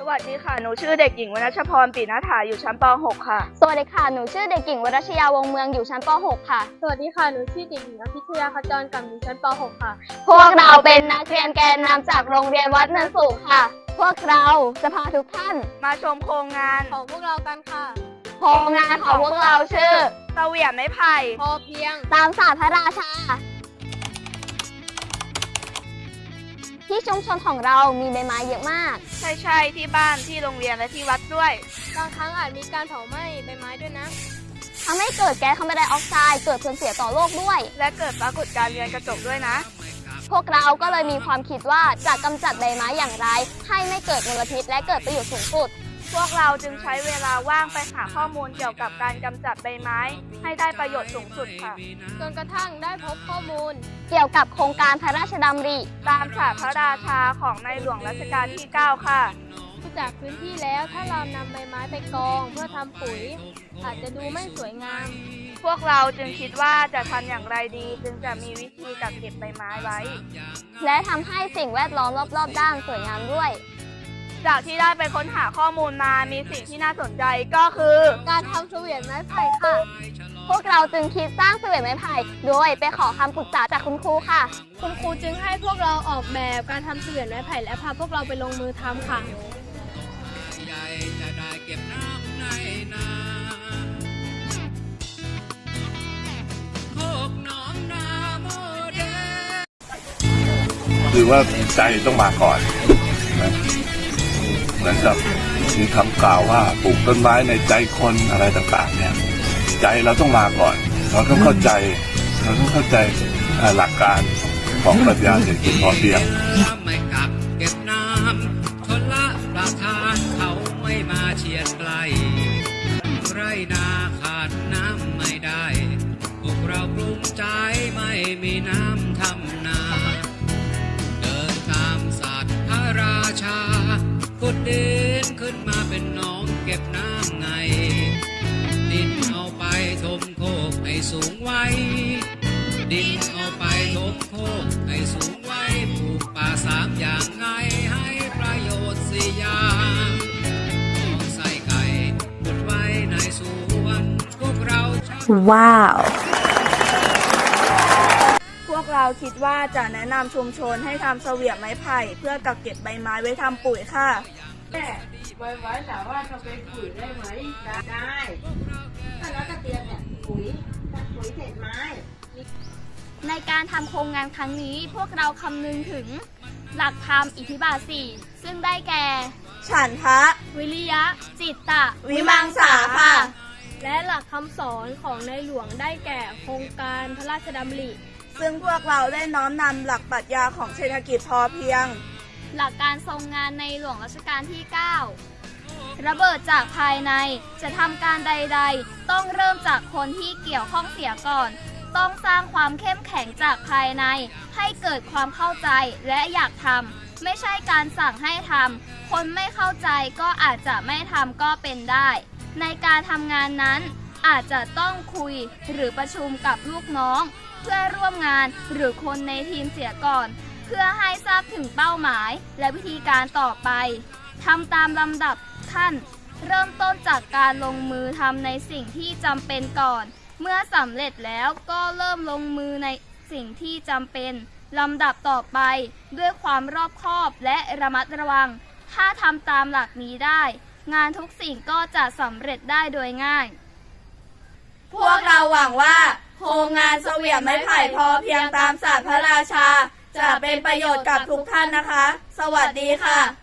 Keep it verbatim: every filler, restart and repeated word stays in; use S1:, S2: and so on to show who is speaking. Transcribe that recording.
S1: วัสดีค่ะหนูชื่อเด็กหญิงวรัชพรปิณฐาอยู่ชั้นป .หก ค่ะ
S2: สวัสดีค่ะหนูชื่อเด็กหญิงวรัชยาวงเมืองอยู่ชั้นป .หก ค่ะ
S3: สวัสดีค่ะหนูชื่อเด็กหญิงอภิชยาขจรกำอยู่ชั้นป .หก ค่ะ
S2: พวกเราเป็นนักเรียนแกนนำจากโรงเรียนวัดเนินสูงค่ะพวกเราจะพาทุกท่าน
S1: มาชมโครงงาน
S3: ของพวกเรากันค่ะ
S2: โครงงานของพวกเราชื่อ
S1: เสวี่ยมไม้ไผ่
S3: พอเพียง
S2: ตามศาสตร์พระราชาที่ชุมชนของเรามีใบไม้เยอะมาก
S1: ใช่ใช่ที่บ้านที่โรงเรียนและที่วัดด้วย
S3: บางครั้งอาจมีการเผาไหม้ใบไม้ด้วยนะ
S2: ทำให้เกิดแก๊สคาร์บอนไดออกไซด์เกิดผลเสียต่อโลกด้วย
S1: และเกิดปรากฏการณ์เรือนกระจกด้วยนะ
S2: พวกเราก็เลยมีความคิดว่าจะกำจัดใบไม้อย่างไรให้ไม่เกิดมลพิษและเกิดประโยชน์สูงสุด
S1: พวกเราจึงใช้เวลาว่างไปหาข้อมูลเกี่ยวกับการกำจัดใบไม้ให้ได้ประโยชน์สูงสุดค่ะ
S3: จนกระทั่งได้พบข้อมูล
S2: เกี่ยวกับโครงการพระราชดำริ
S1: ตามศาสตร์พระราชาของในหลวงรัชกาลที่ เก้า ค่ะ
S3: จากพื้นที่แล้วถ้าเรานำใบไม้ไปกองเพื่อทำปุ๋ยอาจจะดูไม่สวยงาม
S1: พวกเราจึงคิดว่าจะทำอย่างไรดีจึงจะมีวิธีกักเก็บใบไม้ไว้
S2: และทำให้สิ่งแวดล้อมรอบๆด้านสวยงามด้วย
S1: จากที่ได้ไปค้นหาข้อมูลมามีสิ่งที่น่าสนใจก็คือ
S3: การทำเสวี่ยมไม้ไผ่ค่ะ
S2: พวกเราจึงคิดสร้างเสวี่ยมไม้ไผ่โดยไปขอคำปรึกษาจากคุณครูค่ะ
S3: คุณครูจึงให้พวกเราออกแบบการทำเสวี่ยมไม้ไผ่และพาพวกเราไปลงมือทำค่ะ
S4: คือว่าใจต้องมาก่อนนะเหมือนกับมีคำกล่าวว่าปลูกต้นไม้ในใจคนอะไรต่างๆเนี่ยใจเราต้องมาก่อนเราต้องเข้าใจเราต้องเข้าใจหลักการของปรัชญาเศรษฐกิจพอเพียง
S5: ไม่กักเก็บน้ำทนละประทานเขาไม่มาเฉียดไกลไรนาขาดน้ำไม่ได้พวกเราปรุงใจไม่มีน้ำทำนาเดินตามศาสตร์พระราชาขุดดินขึ้นมาเป็นหนองเก็บน้ำไงดินเอาไปถมโคกให้สูงไว้ดินเอาไปถมโคกให้สูงไว้ปลูกป่าสามอย่างไงให้ประโยชน์สี่อย่างใส่ไก่ขุดไว้ในสวนพวกเรา
S2: ว้าว
S1: พวกเราคิดว่าจะแนะนำชุมชนให้ทำเสวี่ยมไม้ไผ่เพื่อกักเก็บใบไม้ไว้ทำปุ๋ยค่ะ
S6: แม่ใบไม้ถามว่าทำเป็นปุ๋ยได้ไหมได้ถ้าแล้วก็เตรียมเนี่ยปุ๋ยปุ๋ยเศษไม้
S2: ในการทำโครงงานครั้งนี้พวกเราคำนึงถึงหลักธรรมอิทธิบาทสี่ซึ่งได้แก่
S1: ฉันทะ
S2: วิริยะจิตตะ
S1: วิมังสาค่ะ
S3: และหลักคำสอนของในหลวงได้แก่โครงการพระราชดำริ
S1: ซึ่งพวกเราได้น้อมนำหลักปรัชญาของเศรษฐกิจพอเพียง
S2: หลักการทรงงานในหลวงรัชกาลที่ เก้า ระเบิดจากภายในจะทำการใดๆต้องเริ่มจากคนที่เกี่ยวข้องเสียก่อนต้องสร้างความเข้มแข็งจากภายในให้เกิดความเข้าใจและอยากทำไม่ใช่การสั่งให้ทำคนไม่เข้าใจก็อาจจะไม่ทำก็เป็นได้ในการทำงานนั้นอาจจะต้องคุยหรือประชุมกับลูกน้องเพื่อร่วมงานหรือคนในทีมเสียก่อนเพื่อให้ทราบถึงเป้าหมายและวิธีการต่อไปทำตามลำดับขั้นเริ่มต้นจากการลงมือทำในสิ่งที่จำเป็นก่อนเมื่อสำเร็จแล้วก็เริ่มลงมือในสิ่งที่จำเป็นลำดับต่อไปด้วยความรอบคอบและระมัดระวังถ้าทำตามหลักนี้ได้งานทุกสิ่งก็จะสำเร็จได้โดยง่าย
S1: พวกเราหวังว่าโครงงานเสวี่ยมไม้ไผ่พอเพียงตามศาสตร์พระราชาจะเป็นประโยชน์กับทุกท่านนะคะสวัสดีค่ะ